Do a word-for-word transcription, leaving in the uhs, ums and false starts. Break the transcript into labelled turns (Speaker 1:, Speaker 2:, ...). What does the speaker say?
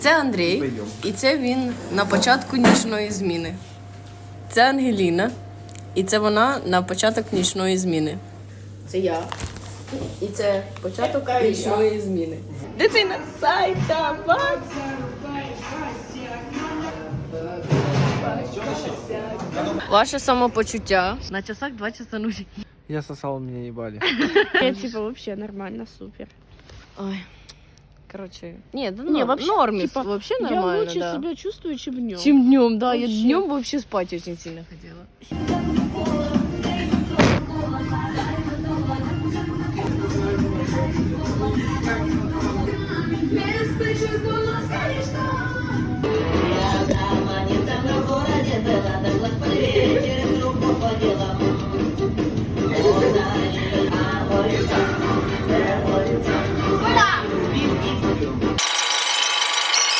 Speaker 1: Це Андрій, і це він на початку нічної зміни. Це Ангеліна, і це вона на початок нічної зміни. Це я, і це початок нічної зміни. Дитина сайта, ваше самопочуття. На часах два часа нулі.
Speaker 2: Я сосал, меня ебали.
Speaker 3: Я типа вообще нормально, супер.
Speaker 1: Ой. Короче, нет, да
Speaker 3: Не,
Speaker 1: не,
Speaker 3: вообще,
Speaker 1: норме,
Speaker 3: типа,
Speaker 1: вообще
Speaker 3: Я
Speaker 1: нормально,
Speaker 3: лучше
Speaker 1: да.
Speaker 3: себя чувствую, чем днем.
Speaker 1: Чем днем, да,
Speaker 3: Вообще.
Speaker 1: я днем вообще спать очень сильно хотела.